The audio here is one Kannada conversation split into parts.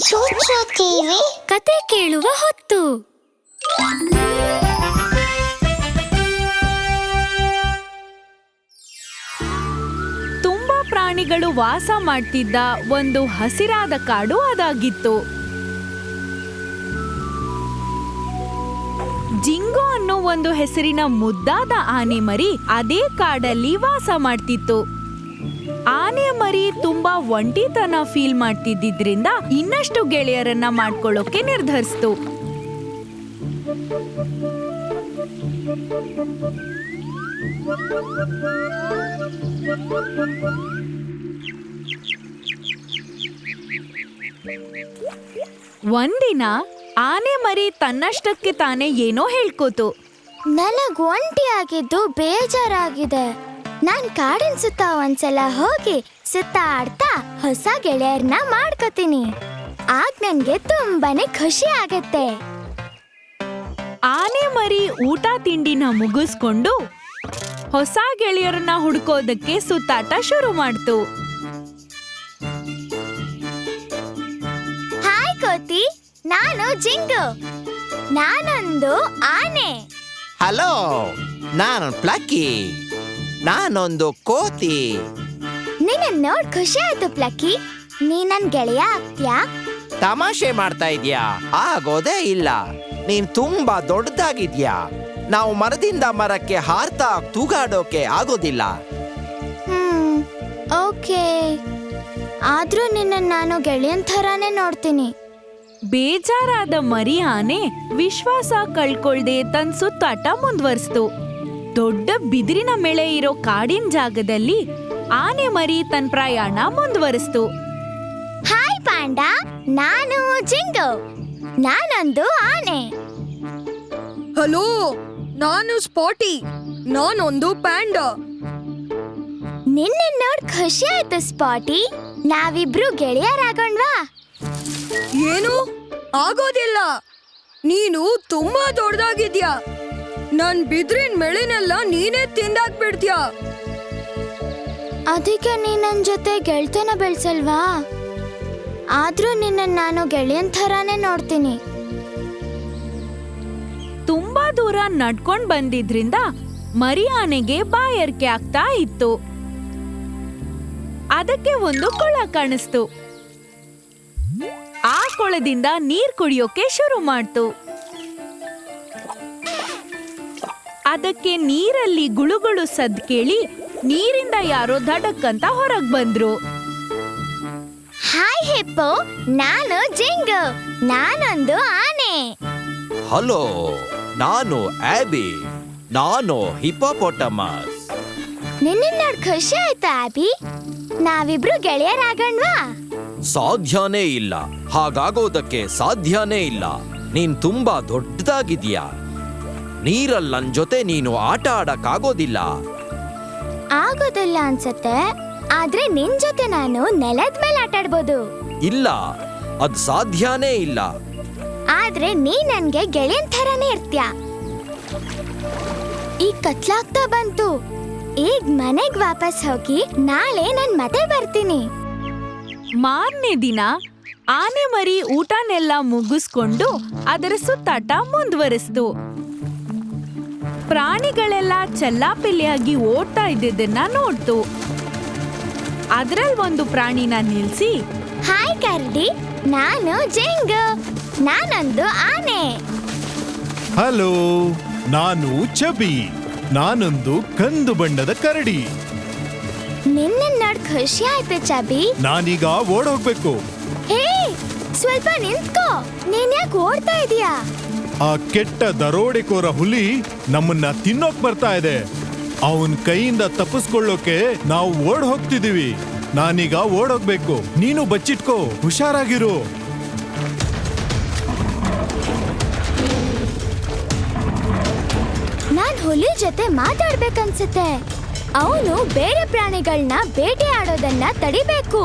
ಚೂಚು ಟಿವಿ ಕತೆ ಕೇಳುವ ಹೊತ್ತು. ತುಂಬಾ ಪ್ರಾಣಿಗಳು ವಾಸ ಮಾಡ್ತಿದ್ದ ಒಂದು ಹಸಿರಾದ ಕಾಡು ಅದಾಗಿತ್ತು. ಜಿಂಗೋ ಅನ್ನೋ ಒಂದು ಹೆಸರಿನ ಮುದ್ದಾದ ಆನೆ ಮರಿ ಅದೇ ಕಾಡಲ್ಲಿ ವಾಸ ಮಾಡ್ತಿತ್ತು. ಆನೆ ಮರಿ ತುಂಬಾ ಒಂಟಿತನ ಫೀಲ್ ಮಾಡ್ತಿದ್ದಿದ್ರಿಂದ ಇನ್ನಷ್ಟು ಗೆಳೆಯರನ್ನ ಮಾಡ್ಕೊಳ್ಳೋಕೆ ನಿರ್ಧರಿಸ್ತು. ಒಂದಿನ ಆನೆ ಮರಿ ತನ್ನಷ್ಟಕ್ಕೆ ತಾನೇ ಏನೋ ಹೇಳ್ಕೋತು. ನನಗ್ ಒಂಟಿ ಆಗಿದ್ದು ಬೇಜಾರಾಗಿದೆ. ನಾನ್ ಕಾಡಿನ ಸುತ್ತ ಒಂದ್ಸಲ ಹೋಗಿ ಸುತ್ತಾಡ್ತಾ ಹೊಸ ಗೆಳೆಯರ್ನ ಮಾಡ್ಕೋತೀನಿ. ಆಗ ನನ್ಗೆ ತುಂಬಾನೇ ಖುಷಿ ಆಗತ್ತೆ. ಆನೆ ಮರಿ ಊಟ ತಿಂಡಿನ ಮುಗಿಸ್ಕೊಂಡು ಹೊಸ ಗೆಳೆಯರನ್ನ ಹುಡ್ಕೋದಕ್ಕೆ ಸುತ್ತಾಟ ಶುರು ಮಾಡ್ತು. ಹಾಯ್ ಕೋತಿ, ನಾನು ಜಿಂಗು. ನಾನೊಂದು ಆನೆ. ಹಲೋ, ನಾನು ಪ್ಲಕ್ಕಿ. ನಾನೊಂದು ಕೋತಿ. ನಿನ್ನ ನೋಡ್ ಖುಷಿ ಆಯ್ತು ಪ್ಲಕ್ಕಿ. ನೀ ನನ್ ಗೆಳೆಯ ಆಗ್ತ್ಯಾ? ತಮಾಷೆ ಮಾಡ್ತಾ ಇದ್ಯಾ? ಆಗೋದೇ ಇಲ್ಲ. ನೀನ್ ತುಂಬಾ ದೊಡ್ಡದಾಗಿದ್ಯಾ. ನಾವು ಮರದಿಂದ ಮರಕ್ಕೆ ಹಾರ್ತಾ ತೂಗಾಡೋಕೆ ಆಗೋದಿಲ್ಲ. ಓಕೆ, ಆದ್ರೂ ನಿನ್ನ ನಾನು ಗೆಳೆಯನ್ ಥರಾನೇ ನೋಡ್ತೀನಿ. ಬೇಜಾರಾದ ಮರಿ ಆನೆ ವಿಶ್ವಾಸ ಕಳ್ಕೊಳ್ದೆ ತನ್ನ ಸುತ್ತಾಟ ಮುಂದುವರಿಸ್ತು. ದೊಡ್ಡ ಬಿದಿರಿನ ಮೇಳೆ ಇರೋ ಕಾಡಿನ ಜಾಗದಲ್ಲಿ ಆನೆ ಮರಿ ತನ್ನ ಪ್ರಯಾಣ ಮುಂದುವರಿಸ್ತು. ಹಾಯ್ ಪಾಂಡಾ, ನಾನು ಜಿಂಗು. ನಾನೊಂದು ಆನೆ. ಹಲೋ, ನಾನು ಸ್ಪಾಟಿ. ನಾನೊಂದು ಪ್ಯಾಂಡಾ. ನಿನ್ನ ನೋಡ್ ಖುಷಿ ಆಯ್ತು ಸ್ಪಾಟಿ. ನಾವಿಬ್ರು ಗೆಳೆಯರಾಗೋಣ್ವಾ? ಏನು ಆಗೋದಿಲ್ಲ. ನೀನು ತುಂಬಾ ದೊಡ್ಡದಾಗಿದ್ಯಾ. ನನ್ ಬಿದ್ರಿನ ಮೆಳೆನೆಲ್ಲ ನೀನೇ ತಿಂದಾಕ್ಬಿಡ್ತೀಯಾ. ಅದಕ್ಕೆ ನೀ ನನ್ ಜೊತೆ ಗೆಳ್ತನ ಬೆಳ್ಸಲ್ವಾ? ಆದ್ರೂ ನಿನ್ನ ನಾನು ಗೆಳೆಯನ್ ಥರಾನೇ ನೋಡ್ತೀನಿ. ತುಂಬಾ ದೂರ ನಡ್ಕೊಂಡ್ ಬಂದಿದ್ರಿಂದ ಮರಿ ಆನೆಗೆ ಬಾಯಾರಿಕೆ ಆಗ್ತಾ ಇತ್ತು. ಅದಕ್ಕೆ ಒಂದು ಕೊಳ ಕಾಣಿಸ್ತು. ಆ ಕೊಳದಿಂದ ನೀರ್ ಕುಡಿಯೋಕೆ ಶುರು ಮಾಡ್ತು. ಅದಕ್ಕೆ ನೀರಲ್ಲಿ ಗುಳುಗುಳು ಸದ್ ಕೇಳಿ ನೀರಿಂದ ಯಾರೋ ಧಡಕ್ಕಂತ ಹೊರಗ್ ಬಂದ್ರು. ಹಾಯ್ ಹಿಪ್ಪೋ, ನಾನು ಜಿಂಗು. ನಾನೊಂದು ಆನೆ. ಹಲೋ, ನಾನು ಆಬಿ. ನಾನು ಹಿಪೋಪೊಟಮಸ್. ನಿನ್ನ ನೋಡ್ ಖುಷಿ ಆಯ್ತಾ ಆಬಿ? ನಾವಿಬ್ರು ಗೆಳೆಯರಾಗೋಣ್ವಾ? ಸಾಧ್ಯನೇ ಇಲ್ಲ. ಹಾಗಾಗೋದಕ್ಕೆ ಸಾಧ್ಯನೇ ಇಲ್ಲ. ನೀನ್ ತುಂಬಾ ದೊಡ್ಡದಾಗಿದ್ಯಾ. ನೀರಲ್ಲಿ ನನ್ ಜೊತೆ ನೀನು ಆಟ ಆಡಕ್ಕಾಗೋದಿಲ್ಲ. ಆಗೋದಿಲ್ಲ ಅನ್ಸತ್ತೆ. ಆದ್ರೆ ನಿನ್ ಜೊತೆ ನಾನು ನೆಲದ ಮೇಲೆ ಆಟ ಆಡ್ಬೋದು. ಇಲ್ಲ, ಅದ್ ಸಾಧ್ಯನೇ ಇಲ್ಲ. ಆದ್ರೆ ನೀ ನನ್ಗೆ ಗೆಳೆಯನ್ ಥರಾನೇ ಇರ್ತ್ಯಾ. ಈಗ ಕತ್ಲಾಗ್ತಾ ಬಂತು. ಈಗ ಮನೆಗ್ ವಾಪಸ್ ಹೋಗಿ ನಾಳೆ ನಾನ್ ಮತ್ತೆ ಬರ್ತೀನಿ. ಮಾರನೇ ದಿನ ಆನೆ ಮರಿ ಊಟನೆಲ್ಲ ಮುಗಿಸ್ಕೊಂಡು ಅದರ ಸುತ್ತಾಟ ಮುಂದುವರಿಸ್ತು. ಪ್ರಾಣಿಗಳೆಲ್ಲ ಚೆಲ್ಲಾಪಿಲ್ಲಿಯಾಗಿ ಓಡ್ತಾ ಇದ್ದಿದ್ದನ್ನ ನೋಡ್ತು. ಅದ್ರಲ್ಲಿ ಒಂದು ಪ್ರಾಣಿನ ನಿಲ್ಸಿ, ಹಾಯ್ ಕರಡಿ, ನಾನು ಜಿಂಗು. ನಾನೊಂದು ಆನೆ. ಹಲೋ, ನಾನು ಚಬಿ. ನಾನೊಂದು ಕಂದು ಬಣ್ಣದ ಕರಡಿ. ನಿನ್ನ ನೋಡ್ ಖುಷಿ ಆಯ್ತು ಚಬಿ. ನಾನೀಗ ಓಡೋಗ್ಬೇಕು. ಹೇ, ಸ್ವಲ್ಪ ನಿಂತ್ಕೋ. ನೀನ್ ಯಾಕೆ ಓಡ್ತಾ ಇದೀಯಾ? ಆ ಕೆಟ್ಟ ದರೋಡೆಕೋರ ಹುಲಿ ನಮ್ಮನ್ನ ತಿನ್ನೋಕ್ ಬರ್ತಾ ಇದೆ. ಅವನ್ ಕೈಯಿಂದ ತಪ್ಪಿಸ್ಕೊಳ್ಳೋಕೆ ನಾವು ಓಡ್ ಹೋಗ್ತಿದೀವಿ. ನಾನೀಗ ಓಡೋಗ್ಬೇಕು. ನೀನು ಬಚ್ಚಿಟ್ಕೋ, ಹುಷಾರಾಗಿರು. ನಾನ್ ಹುಲಿ ಜೊತೆ ಮಾತಾಡ್ಬೇಕನ್ಸುತ್ತೆ. ಅವನು ಬೇರೆ ಪ್ರಾಣಿಗಳನ್ನ ಬೇಟೆ ಆಡೋದನ್ನ ತಡಿಬೇಕು.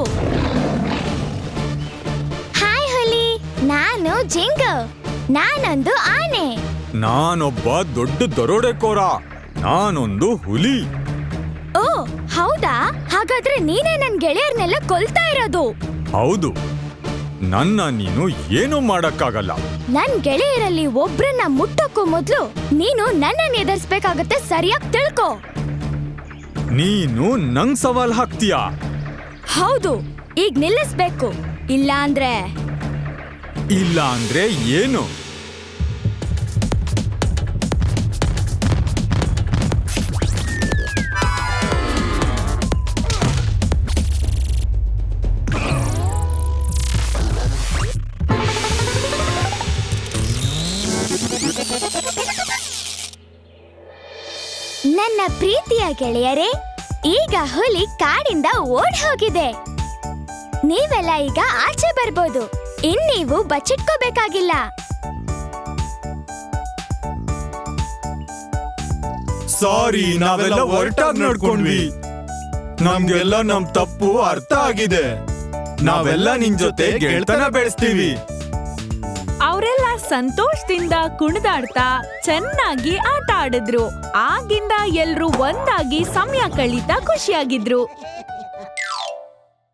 ಹಾಯ್ ಹುಲಿ, ನಾನು ಜಿಂಗು. ನಾನೊಂದು ಆನೆ. ನಾನೊಬ್ಬ ದೊಡ್ಡ ದರೋಡೆಕೋರ. ನಾನೊಂದು ಹುಲಿ. ಓ ಹೌದಾ? ಹಾಗಾದ್ರೆ ನೀನೇ ನನ್ ಗೆಳೆಯರ್ನೆಲ್ಲ ಕೊಲ್ತಾ ಇರೋದು. ಹೌದು, ನನ್ನ ನೀನು ಏನೂ ಮಾಡಕ್ಕಾಗಲ್ಲ. ನನ್ ಗೆಳೆಯರಲ್ಲಿ ಒಬ್ರನ್ನ ಮುಟ್ಟಕ್ಕೂ ಮೊದ್ಲು ನೀನು ನನ್ನನ್ನು ಎದುರಿಸ್ಬೇಕಾಗತ್ತೆ, ಸರಿಯಾಗಿ ತಿಳ್ಕೊ. ನೀನು ನಂಗ್ ಸವಾಲ್ ಹಾಕ್ತೀಯಾ? ಹೌದು, ಈಗ ನಿಲ್ಲಿಸ್ಬೇಕು. ಇಲ್ಲ ಅಂದ್ರೆ ಏನು? ನನ್ನ ಪ್ರೀತಿಯ ಗೆಳೆಯರೇ, ಈಗ ಹುಲಿ ಕಾಡಿಂದ ಓಡ್ ಹೋಗಿದೆ. ನೀವೆಲ್ಲ ಈಗ ಆಚೆ ಬರ್ಬೋದು. ಇನ್ನೀವು ಬಚ್ಚಿಟ್ಕೋಬೇಕಾಗಿಲ್ಲ. ಸಾರಿ, ನಾವೆಲ್ಲ ಒರಟಾಗಿ ನಡ್ಕೊಂಡ್ವಿ. ನಮ್ಗೆಲ್ಲ ನಮ್ ತಪ್ಪು ಅರ್ಥ ಆಗಿದೆ. ನಾವೆಲ್ಲ ನಿನ್ ಜೊತೆ ಗೆಳ್ತನ ಬೆಳೆಸ್ತೀವಿ. ಅವರೆಲ್ಲ ಸಂತೋಷದಿಂದ ಕುಣಿದಾಡ್ತಾ ಚೆನ್ನಾಗಿ ಆಟ ಆಡಿದ್ರು. ಆಗಿಂದ ಎಲ್ರೂ ಒಂದಾಗಿ ಸಮಯ ಕಳೀತಾ ಖುಷಿಯಾಗಿದ್ರು.